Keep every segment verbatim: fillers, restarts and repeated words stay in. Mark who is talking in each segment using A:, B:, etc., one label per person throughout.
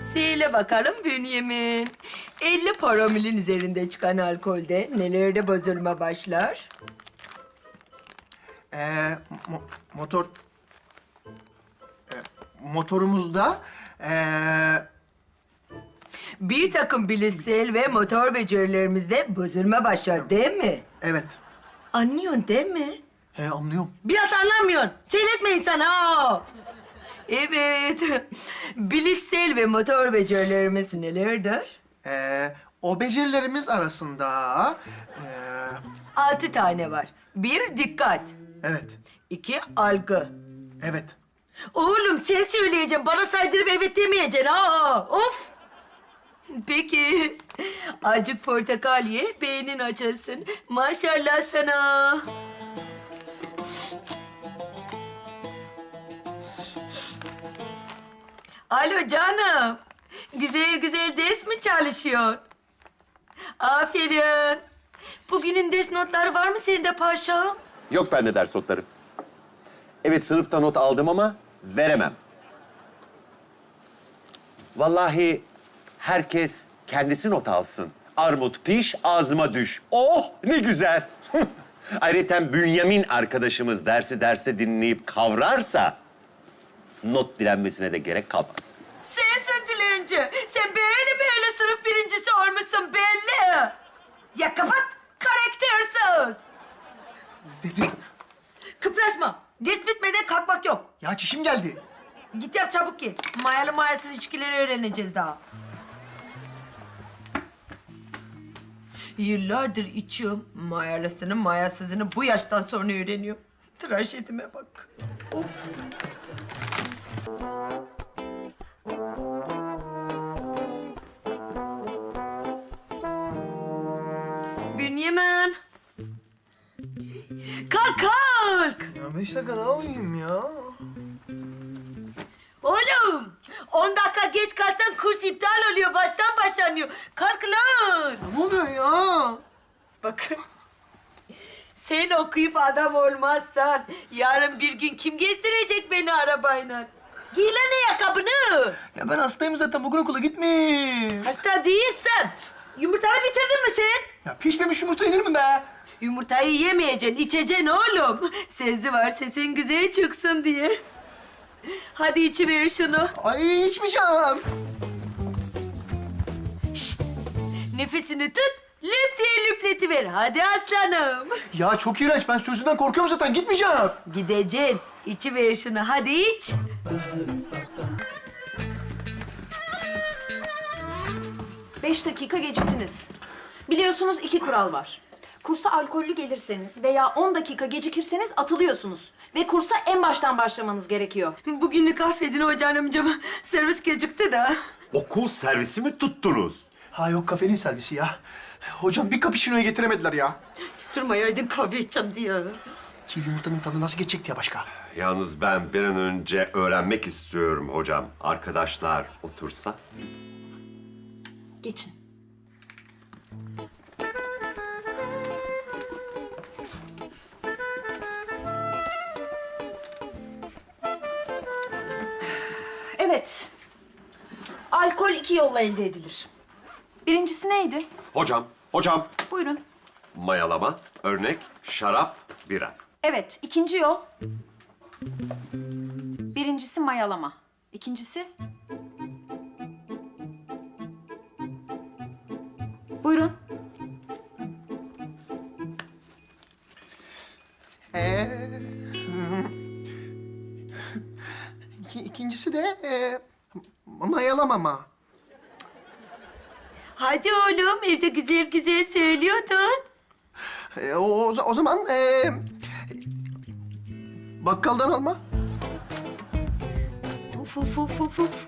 A: Söyle bakalım Bünyamin. elli promilin üzerinde çıkan alkolde nelerde bozulma başlar?
B: Ee, mo- motor... Ee, motorumuzda... Ee,
A: Bir takım bilişsel ve motor becerilerimizde bozulma başlar değil mi?
B: evet.
A: Anlıyorsun değil mi?
B: He, anlıyorum.
A: Biraz anlamıyorsun. Söyletme insan ha. Evet. Bilişsel ve motor becerilerimiz nelerdir?
B: Ee, o becerilerimiz arasında... Ee,
A: Altı tane var. Bir, dikkat.
B: evet,
A: İki, algı.
B: evet.
A: Oğlum sen söyleyeceksin. Bana saydırıp evet demeyeceksin ha. Of. Peki. Acık portakal ye, beynin açılsın. Maşallah sana. Alo canım. Güzel güzel ders mi çalışıyorsun? Aferin. Bugünün ders notları var mı sende paşam?
C: Yok bende ders notları. Evet sınıfta not aldım ama veremem. Vallahi herkes kendisi not alsın. Armut piş, ağzıma düş. Oh ne güzel. Ayrıca Bünyamin arkadaşımız dersi derste dinleyip kavrarsa not dilenmesine de gerek kalmaz.
A: Sensin dilenci. Sen böyle böyle sınıf birincisi olmuşsun belli. Ya kapat, karaktersiz.
B: Zerrin,
A: Kıpraşma. Ders bitmeden kalkmak yok.
B: ya çişim geldi.
A: Git yap çabuk gel. Mayalı mayasız içkileri öğreneceğiz daha. Yıllardır içiyorum. Mayalısını mayasızını bu yaştan sonra öğreniyorum. Trajedime bak. Of. Bünyamin. Kalk kalk.
B: Ya beş dakika daha uyuyayım ya.
A: Oğlum, on dakika geç kalsan kurs iptal oluyor, baştan başlanıyor. Kalk lan.
B: Ne oluyor ya?
A: Bakın, sen okuyup adam olmazsan yarın bir gün kim gezdirecek beni arabayla? Giy lan ayakkabını.
B: Ya ben hastayım zaten, bugün okula gitme.
A: Hasta değilsen. Yumurtanı bitirdin mi sen?
B: Ya pişmemiş yumurta yenir mi be?
A: Yumurtayı yemeyeceksin, içeceksin oğlum. Sezi var, sesin güzel çıksın diye. Hadi içiver şunu.
B: Ay içmeyeceğim.
A: Şşt! Nefesini tut, lüp diye lüpletiver. Hadi aslanım.
B: Ya çok iğrenç, ben sözünden korkuyorum zaten, gitmeyeceğim.
A: Gideceksin. İçiver şunu, hadi iç.
D: Beş dakika geciktiniz. Biliyorsunuz iki kural var. Kursa alkollü gelirseniz veya on dakika gecikirseniz atılıyorsunuz. Ve kursa en baştan başlamanız gerekiyor.
A: Bugünlük affedin hocam amcama. Servis gecikti de.
E: Okul servisi mi tuttunuz?
B: Ha yok, kafenin servisi ya. Hocam bir cappuccino'yu getiremediler ya.
A: Tutturmayaydın kahve içeceğim diye.
B: Çiğ yumurtanın tadı nasıl geçecekti ya başka?
E: Yalnız ben bir an önce öğrenmek istiyorum hocam. Arkadaşlar otursa.
D: Geçin. Evet. Alkol iki yolla elde edilir. Birincisi neydi?
E: Hocam, hocam.
D: Buyurun.
E: Mayalama, örnek, şarap, bira.
D: Evet, ikinci yol. Birincisi mayalama. İkincisi... Buyurun.
B: Ee, hmm. İki, ikincisi de e, mayalamama.
A: Hadi oğlum, evde güzel güzel söylüyordun.
B: E, o, o, o zaman e, bakkaldan alma.
A: Uf uf uf uf uf.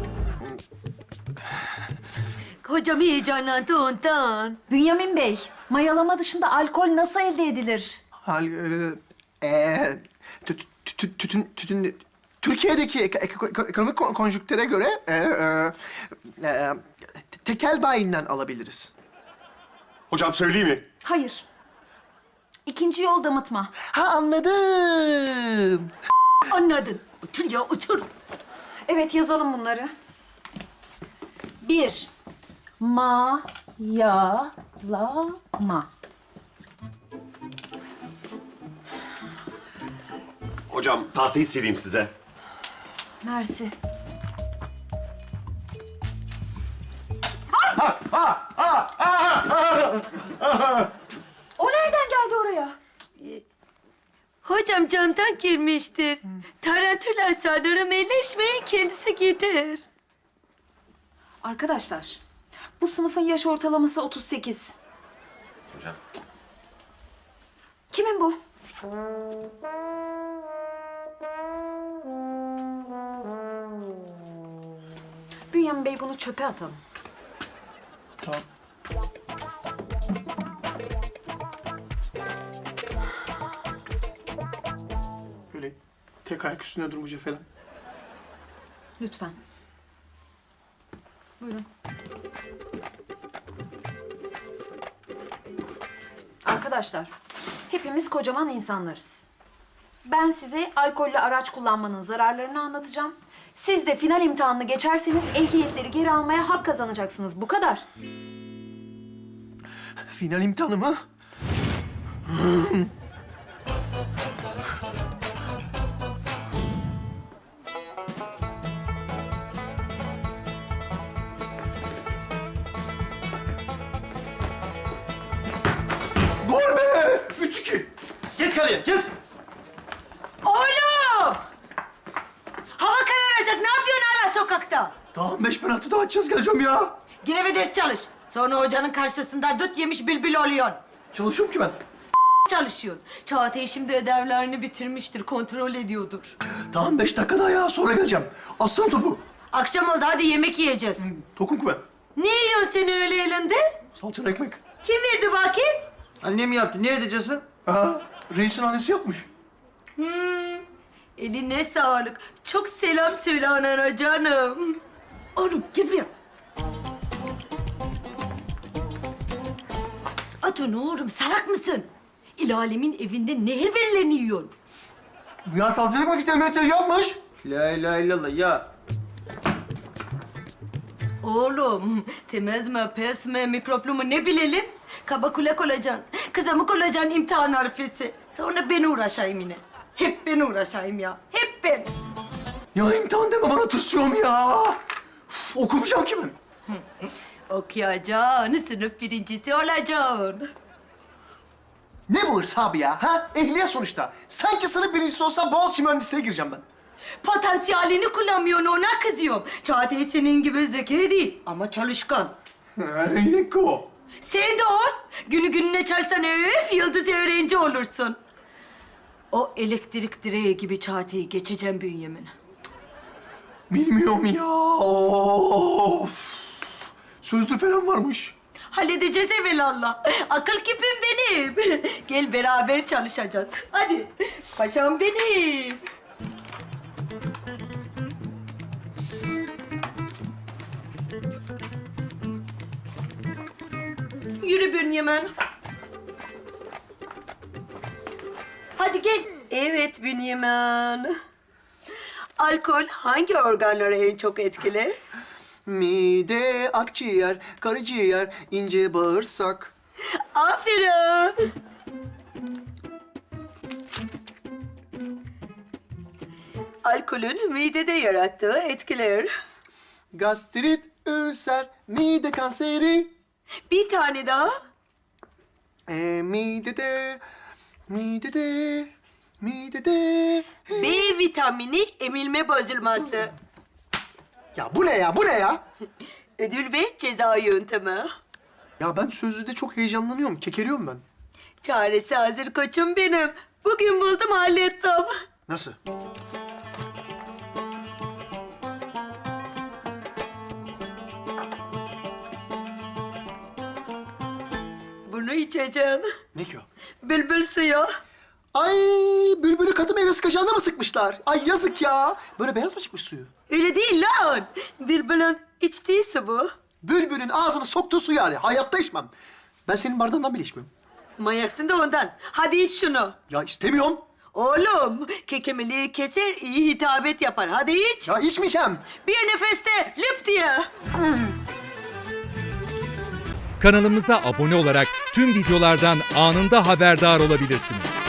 A: Hocam heyecanlandı ondan.
D: Bünyamin Bey, mayalama dışında alkol nasıl elde edilir?
B: Hal, e, e, tü- tü- tü- tütün, tütün, Türkiye'deki ek- ek- ekonomik kon- konjüktüre göre e, e, e, tekel bayinden alabiliriz.
E: Hocam söyleyeyim mi?
D: Hayır. İkinci yol damıtma.
B: Ha anladım.
A: Anladın. Otur ya, otur.
D: Evet, yazalım bunları. Bir. Mayalama.
E: Hocam tahtayı sileyim size.
D: Mersi. O nereden geldi oraya?
A: Hocam camdan girmiştir. Tarantula sanırım elleşmeyin kendisi gider.
D: Arkadaşlar, bu sınıfın yaş ortalaması otuz sekiz.
C: Hocam.
D: Kimin bu? Bünyamin Bey, bunu çöpe atalım.
B: Tamam. Böyle tek ayak üstünde durmayacak falan.
D: Lütfen. Buyurun. Arkadaşlar, hepimiz kocaman insanlarız. Ben size alkollü araç kullanmanın zararlarını anlatacağım. Siz de final imtihanını geçerseniz ehliyetleri geri almaya hak kazanacaksınız. Bu kadar.
B: Final imtihanı mı? Gol be! Üç iki.
F: Geç kaleye, geç.
A: Oğlum! Hava kararacak. Ne yapıyorsun hala sokakta?
B: Tamam, beş penaltı daha atacağız, geleceğim ya.
A: Yine bir ders çalış. Sonra hocanın karşısında dut yemiş bülbül oluyorsun.
B: Çalışıyorum ki ben.
A: Çalışıyorsun. Çağatay şimdi ödevlerini bitirmiştir. Kontrol ediyordur.
B: Tamam, beş dakika daha ya, sonra geleceğim. Aslan topu.
A: Akşam oldu. Hadi yemek yiyeceğiz.
B: Tokum ki ben.
A: Ne yiyorsun sen öyle elinde?
B: Salçalı ekmek.
A: Kim verdi bakayım?
F: Annem yaptı, ne edeceksin?
B: Aha, reisin annesi yapmış.
A: Eline sağlık. Çok selam söyle anana canım. Oğlum gel buraya. Atun oğlum salak mısın? İlalemin evinde nehir verilerini yiyorsun.
B: Ya salçalı ekmek işte Mehmet yapmış.
F: La ilahe illallah ya.
A: Oğlum temiz mi pes mi mikroplu mu ne bilelim? Kaba kulak olacaksın. Kızamık olacaksın imtihan harfesi. Sonra ben uğraşayım yine. Hep ben uğraşayım ya. Hep ben.
B: Ya imtihan deme bana, tırsıyorum ya. Uf, okumayacağım ki ben.
A: Okuyacaksın, sınıf birincisi olacaksın.
B: Ne bu hırs abi ya? Ha? Ehliyet sonuçta. Sanki sınıf birincisi olsam Boğaziçi mühendisliğe gireceğim ben.
A: Potansiyelini kullanmıyorsun, ona kızıyorum. Çağatay senin gibi zeki değil ama çalışkan.
B: Yine ko.
A: Sen de ol. Günü gününe çalsan öf, yıldız öğrenci olursun. O elektrik direği gibi Çağatay'ı geçeceğim Bünyamin.
B: Bilmiyorum ya. Of. Sözlü falan varmış.
A: Halledeceğiz evelallah. Akıl küpüm benim. Gel beraber çalışacağız. Hadi. Paşam benim. Yürü Bünyamin. Hadi gel. Evet Bünyamin. Alkol hangi organları en çok etkiler?
B: Mide, akciğer, karaciğer, ince bağırsak.
A: Aferin. Alkolün midede yarattığı etkiler.
B: Gastrit, ülser, mide kanseri.
A: Bir tane daha.
B: E, midede, midede, midede.
A: B vitamini emilme bozulması.
B: Ya bu ne ya, bu ne ya?
A: Ödül ve ceza yöntemi.
B: Ya ben sözlüde çok heyecanlanıyorum, kekeliyorum ben.
A: Çaresi hazır koçum benim. Bugün buldum hallettim.
B: Nasıl?
A: Bunu içeceğim.
B: Ne ki o?
A: Bülbül suyu.
B: Ay, bülbülü katı meyve sıkacağında mı sıkmışlar? Ay yazık ya. Böyle beyaz mı çıkmış suyu?
A: Öyle değil lan. Bülbülün içtiği su bu.
B: Bülbülün ağzını soktuğu su yani. Hayatta içmem. Ben senin bardağından bile içmiyorum.
A: Manyaksın da ondan. Hadi iç şunu.
B: Ya istemiyorum.
A: Oğlum, kekemeliği keser, iyi hitabet yapar. Hadi iç.
B: Ya içmeyeceğim.
A: Bir nefeste lüp diye.
G: Kanalımıza abone olarak tüm videolardan anında haberdar olabilirsiniz.